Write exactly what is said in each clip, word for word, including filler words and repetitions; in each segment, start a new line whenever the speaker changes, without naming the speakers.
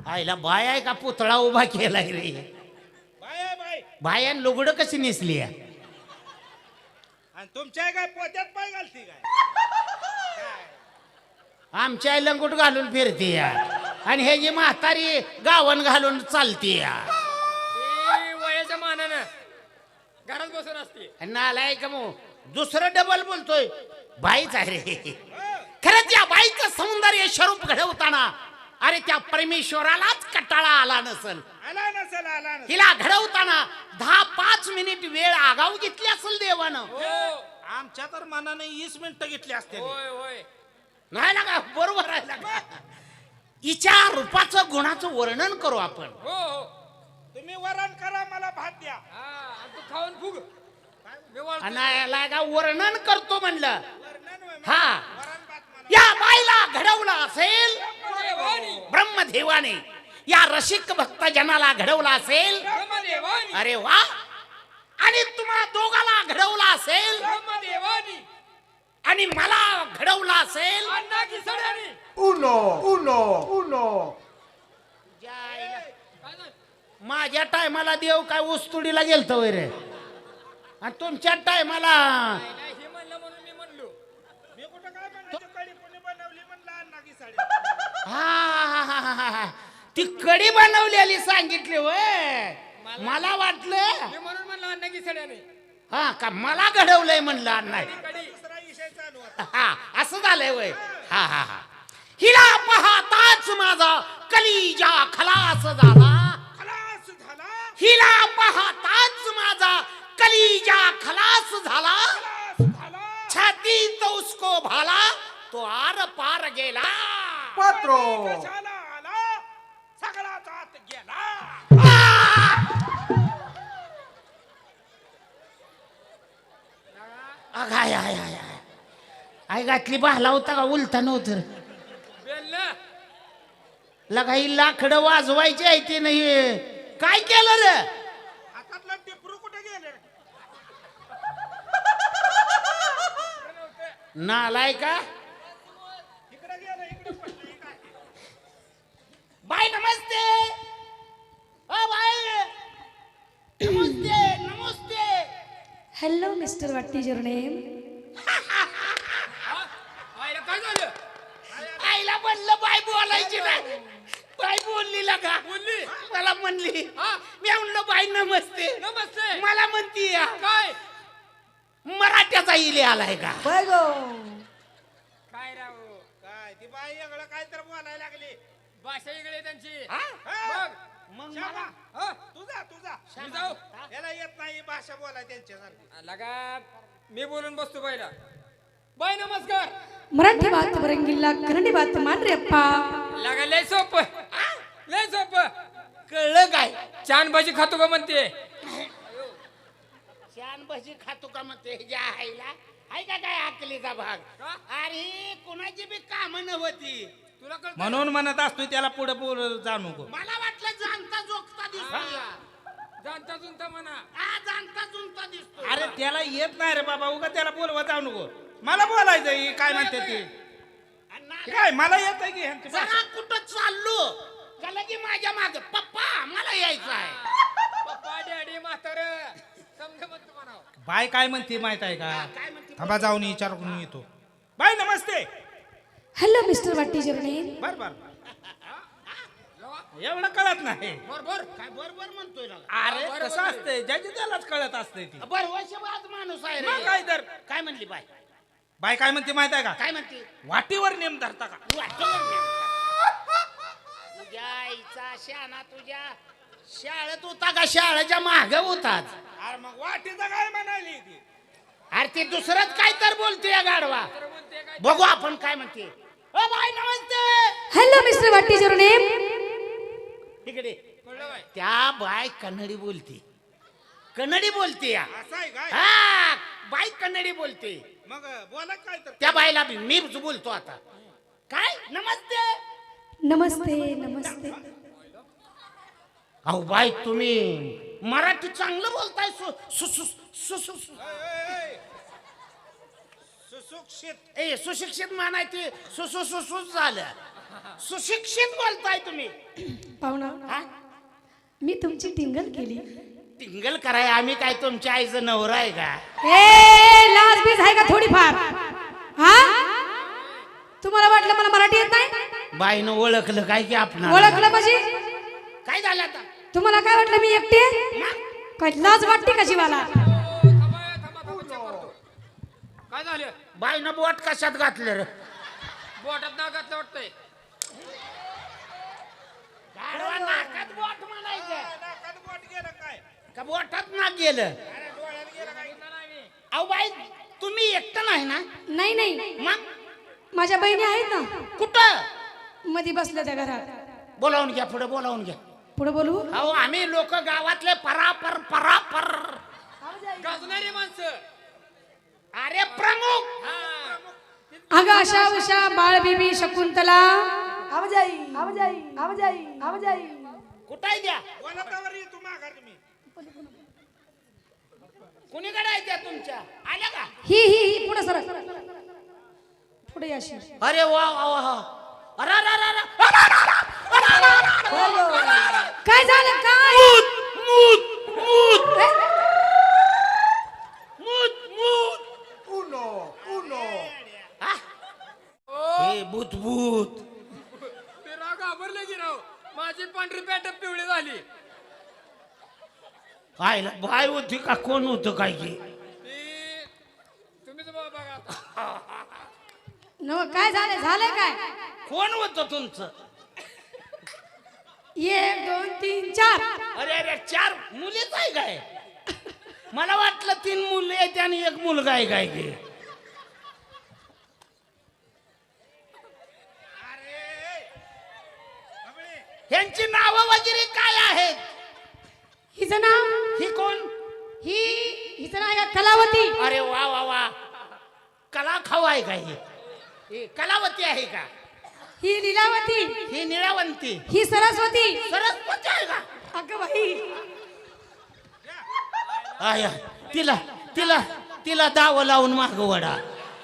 आईला बाय आहे का पुतळा उभा केलाय रे.
बाय आहे बाय.
बायान लुगडं कशी नेसली आहे?
आणि तुमच्या काय पोत्यात पाय घालती काय?
आमच्या आई लंगोट घालून फिरते या आणि हे जी म्हातारी गावन घालून चालते या.
ती वयाच्या मानानं घरात बसून असते.
नालाय का मग दुसरं डबल बोलतोय. बाईच आहे रे. खरंच या बाईचं सौंदर्य स्वरूप घडवताना अरे त्या परमेश्वरालाच कटाळा आला नसल.
आला नसेल आला नसेल.
हिला घडवताना दहा पाच मिनिट वेळ आगाऊ घेतली असेल देवानं.
हो
आमच्या तर मनाने वीस मिनिटं घेतली असते.
होय होय.
नाही ना का बरोबर आहे ना का? हिच्या रूपाचं गुणाचं वर्णन करू आपण.
हो हो.
तुम्ही वरण करा मला भात द्या.
हा आणि तू खाऊन फुग. मी वळतो.
आणि याला का वर्णन करतो म्हणलं.
वरण होय मग.
हा
वरण भात म्हणा.
या बाईला घडवलं असेल
ब्रह्मदेवानी.
ब्रह्मदेवाने. या रसिक भक्त जनाला घडवलं असेल.
ब्रह्मदेवानी.
अरे वा. आणि तुम्हा दोघाला घडवलं असेल
ब्रह्मदेवानी.
आणि मला घडवलं असेल.
अण्णा की सड्यानी.
Uno, uno, uno.
जायला.
काय झालं?
माझ्या टायमाला देव काय उस्तुडीला गेलतो रे आणि तुमच्या टायमाला
नाही, नाही, हे म्हणलं म्हणून मी म्हणलो.
मी कुठं काय म्हणायचं कडी कोणी बनवली म्हणलं अण्णा की साडी.
हा हा हा हा हा ती कडी बनवलेली सांगितली वय. मला वाटलं
मी म्हणून म्हणलं अण्णा की सड्यानी.
हा का मला घडवलंय म्हणलं नाही.
कडी दुसरा विषय चालू होता.
हा असं झालंय वय. हा हा हा हिला पाहताच माझा कलिजा खलास झाला.
खलास झाला.
हिला पाहताच माझा कलिजा खलास झाला.
खलास झाला.
छाती तो उसको भाला तो आर पार गेला.
Cuatro.
कशाला आला सगळाच आत गेला.
आय आय आय आय आय घातली बाहला होता का उलटा नव्हतं.
बेलनं.
लगा ही लाकडं वाजवायची आहे ते नाही. काय केलं रे?
हातातलं टिपरू कुठे गेले?
नालाय का
इकडे गेलं इकडे पडलं. हे काय?
बाय नमस्ते. ओ बाय नमस्ते नमस्ते.
Hello, Mister What is your name?
हा? आईला काय झालं?
आईला म्हणलं बाय बोलायची नाही. बाय बोलली लगा
बोलली.
मला म्हणली.
हा?
मी म्हणलं बाय नमस्ते.
नमस्ते.
मला म्हणती या
काय
मराठ्याचा इले आलाय का?
Fuego.
काय राव
काय ती बाई एवढं काय तर बोलायला लागली.
भाषा वेगळी आहे त्यांची.
हा?
हा?
मग
श्यामा,
मला
हा?
तुझा तुझा
मी जाऊ.
याला येत नाही भाषा बोलाय त्यांच्यासारखी.
लगा मी बोलून बसतो बाईला. बाई नमस्कार.
मराठी बात बरंगिल्ला कन्नडी बात मानरे अप्पा.
लगा लय सोप. लय सोप.
कळलं काय?
छान भाजी खातो का म्हणते.
छान भजी खातो का मग ते ज्या आईला आहे का काय आकलीचा भाग?
का?
अरे कोणाची बी काम नव्हती.
तुला कळतं?
म्हणून म्हणत असतोय त्याला पुढे पुढे जाणू नको.
मला वाटलं जाणता जोगता दिसतो.
जाणता जुनता म्हणा.
हा जाणता जुनता दिसतो.
अरे त्याला येत नाही रे बाबा उगा त्याला बोलवा जाऊ नको. मला बोलायचं ही काय म्हणते ती.
आणि ना-
काय मला येत आहे की ह्यांची भाषा.
जरा कुठं चाललो का की माझ्या माग पप्पा मला यायचं आहे.
पप्पा डॅडी म्हातार समजा म्हणतो म्हणावं.
बाय काय म्हणते माहित आहे का?
काय म्हणते?
थांबा जाऊन विचारून येतो. बाय नमस्ते.
Hello, Mister What is your name?
बर बर एवढं कळत नाही.
बरोबर.
काय बरोबर म्हणतोय ना?
अरे कसं असतंय ज्याची त्यालाच कळत असतंय ती.
बरवशबाज माणूस आहे
मग
रे.
काय तर
काय म्हणली बाय?
बाय काय म्हणते माहित आहे का?
काय म्हणते?
वाटीवर नेम धरता का?
वाटलं नाही. तुझ्या आईचा शाना तुझ्या शाळेत होता का शाळेच्या माग होताच?
अरे मग वाटीचं काय म्हणाली ती?
अरे ते दुसरंच काय तर बोलते या गाडवा. बघू आपण काय म्हणते. ओ बाय नमस्ते.
Hello, Mister What is your name?
इकडे
कळलं बाई.
त्या बाय कन्नडी बोलते. कन्नडी बोलते या.
असं आहे काय?
हा बाई कन्नडी बोलते.
मग बोला काय तर.
त्या बाईला बी मी बोलतो आता. काय नमस्ते.
नमस्ते नमस्ते.
अहो बाई तुम्ही मराठी चांगलं बोलताय. सु सु सु सु सु सु-
सुशिक्षित.
ए सुशिक्षित म्हणायचे सुसु सुसुस झालं. सुशिक्षित बोलताय तुम्ही.
पाहुणा
हा?
मी तुमची टिंगल केली.
टिंगल कराय आम्ही काय तुमच्या आईचं नवरा आहे का?
ए लाज बीज आहे का थोडीफार? हा तुम्हाला वाटलं मला मराठी येत नाही?
बाईनं ओळखलं काय की आपण
ओळखलं म्हणजे
काय झालं आता?
तुम्हाला काय वाटलं मी एकटी आहे? काय लाज वाटते का जीवाला?
थांबा थांबा थांबा check करतो. काय झालं
बाईनं बोट कशात घातलं रे?
बोटात ना घातलं वाटतंय.
गाढवा नाकात बोट म्हणायचं
नाकात बोट गेलं काय
का बोटात ना गेलं?
अरे डोळ्यात गेलं काय
अहो बाई तुम्ही एकटं नाही ना?
नाही नाही
मग
माझ्या बहिणी आहेत ना,
कुठं
मध्ये बसल्या त्या घरात.
बोलावून घ्या, पुढे बोलावून घ्या.
पुढे बोलू.
अहो आम्ही लोक गावातले परापर परापर
गाजणारी माणसं.
अरे प्रमुख
हा.
अगं आशा उषा बाळ बीबी शकुंतला
आवाजाई आवाजाई आवाजाई आवाजाई
कुठे द्या?
बोलतावर ये तू माघार तुम्ही
कुणीकडे आहे त्या तुमच्या? आल्या का?
ही ही ही पुढे सर पुढे अशी.
अरे वा वा वा. अरे अरे अरे अरे. अरे, अरे, अरे, अरे, अरे, अरे, अरे, अरे.
काय झालं काय?
मूत मूत
ए,
मूत मूत.
Uno, uno.
हा? हे भूत भूत.
ते राव घाबरले की राव. माझी पांढरी पॅट पिवळी झाली.
आयला बाय होती का कोण होतं काय की?
ती तुम्हीच बघा बघा आता.
नव काय झालं झालंय काय?
कोण होतं तुमचं?
एक दोन तीन चार.
अरे अरे चार मुलीच आहे काय? मला वाटलं तीन मुलं आहेत आणि एक मुलगा आहे काय की? ह्यांची नावं वगैरे काय आहेत?
हिचं नाव
ही कोण?
ही हिचं नाव आहे कलावती.
अरे वा वा वा. कला खाऊ आहे का ही? ही कलावती आहे का?
ही लीलावती.
ही निळावंती.
ही सरस्वती.
सरस्वती आहे का?
अगं बाई
आया तिला तिला तिला दाव लावून माग वडा.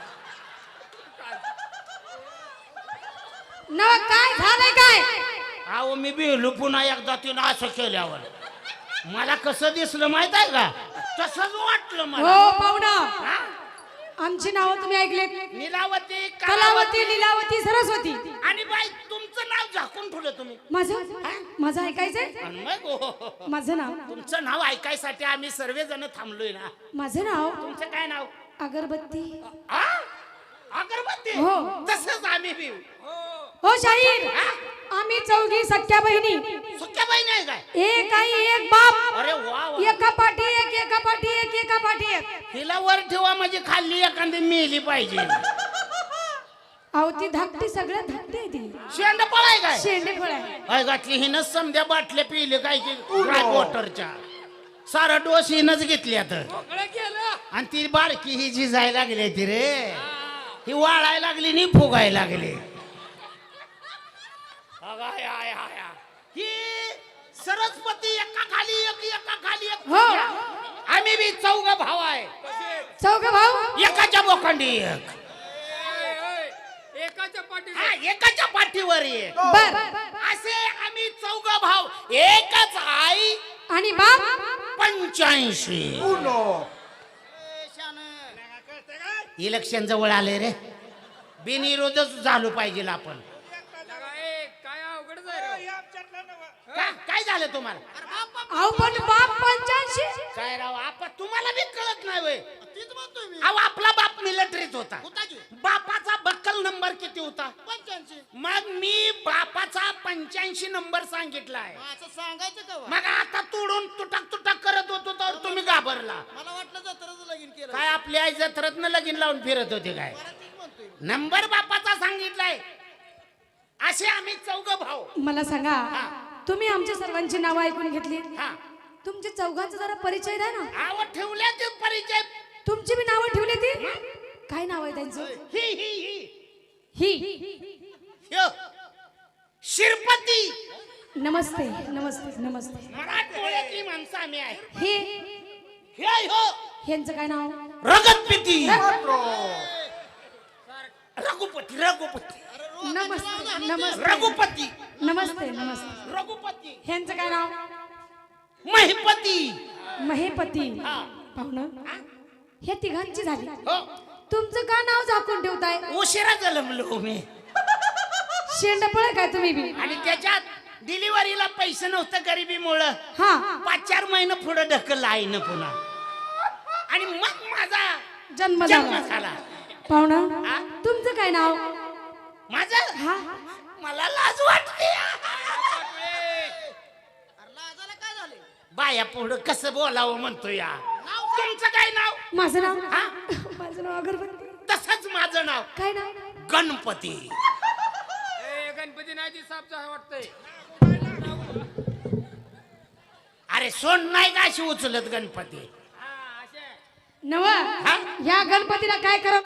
नव काय झालंय काय?
अहो मी बिहलो पुन्हा एकदा तिनं असं केल्यावर मला कसं दिसलं माहित आहे का? तसंच वाटलं मला.
हो पाहुणा
हा?
आमची नावं तुम्ही ऐकलेत.
नीलावती
कलावती लीलावती सरस्वती.
आणि बाई तुमचं नाव झाकून ठेवलं तुम्ही.
माझं माझं ऐकायचंय.
आणि मग हो, हो, हो.
माझं नाव
तुमचं नाव ऐकायसाठी आम्ही सर्वजण थांबलोय ना.
माझं नाव
तुमचं काय नाव?
अगरबत्ती.
आ? अगरबत्ती.
हो.
तसंच आम्ही बी.
हो शाहीर आम्ही चौघी सख्या बहिणी.
सुक्या बहीण आहे काय?
एक आई एक बाप.
अरे वा वा.
एका पाठी एक एका पाठी एक एका पाठी एक.
हिला वर ठेवा म्हणजे खाल्ली एखादी मेली पाहिजे.
अहो ती धाकटी सगळ्यात धाकटी आहे ती.
शेंड पळाय काय?
शेंडे फळ आहे.
काय घातली हिनं समध्या बाटल्या पिले काय की ड्राय वॉटरच्या. सारा डोस हिनच घेतल्या तर.
मोकळं केलं.
आणि ती बाळकी ही झिजायला लागली ती रे. ही वाळायला लागली नि फुगायला लागली. अगाय, आय, आय, आय. ही सरस्वती एका खाली एक एका खाली एक.
हो.
आम्ही बी चौघ भाव आहे.
चौघ भाऊ.
एकाच्या बोखंडी एक.
ए, ए, एकाच्या पाठी
हा, एकाच्या पाठीवर एक.
बर
असे आम्ही चौघ भाव. एकच आई
आणि बाप.
पंच्याऐंशी.
Uno.
इलेक्शन जवळ आले रे. बिनविरोधच झालो पाहिजे आपण.
ए, काय अवघड आहे राव.
आमच्यातलं नवं
का काय झालं तुम्हाला?
अहो पण बाप पंच्याऐंशी.
काय राव आपा तुम्हाला बी कळत नाही वय. अहो आपला बाप मिलिटरीत होता. बापाचा बक्कल नंबर किती होता? पंच्याऐंशी. मग मी बापाचा पंच्याऐंशी नंबर सांगितलाय.
सांगायचं का
मग आता तोडून तुटक तुटक करत होतो तर तुम्ही घाबरला.
मला वाटलं जत्राचं लगीन केलं
काय आपली आई जत्रत्न लगीन लावून फिरत होते काय? नंबर बापाचा सांगितलाय. असे आम्ही चौघ भाऊ.
मला सांगा तुम्ही आमच्या सर्वांची नावं ऐकून घेतली.
हा
तुमच्या चौघांचा जरा परिचय द्या ना.
नाव ठेवल्या ते परिचय.
तुमची बी नावं ठेवली ती. काय नाव आहे त्यांचं?
ही ही ही
ही.
ह्यो. शिरपती.
नमस्ते नमस्ते नमस्ते.
मराठवाड्यातली माणसं आम्ही आहे.
हे
हे हो
ह्यांचं काय नाव?
रगतपिती.
Cuatro.
रघुपती रघुपती.
नमस्ते नमस्ते
रघुपती
नमस्ते नमस्ते
रघुपती
ह्यांचं काय नाव
महिपती
महेपती
हा.
पाहुणं हे तिघांची झाली
हो
तुमचं का नाव झाकून ठेवताय
उशिरा जन्मलो मी
शेंडपळ काय तुम्ही बी
आणि त्याच्यात डिलिव्हरीला पैसे नव्हतं गरिबीमुळं
हा
पाच चार महिने पुढे ढकललं आईनं पुन्हा आणि मग माझा
जन्म
जन्म
झाला
झाला
पाहुणं
हा?
तुमचं काय नाव
माझं
हा
मला लाज वाटते
लाजाला काय झाले
बाया पुढं कसं बोलावं म्हणतो या तुमचं काय नाव
माझं नाव
हा?
माझं नाव अगरबत्ती
तसंच माझं नाव
काय नाव
गणपती
ए गणपती नाही ती साप जाय वाटतंय
अरे सोन नाही का अशी उचलत गणपती
नव या गणपतीला काय करा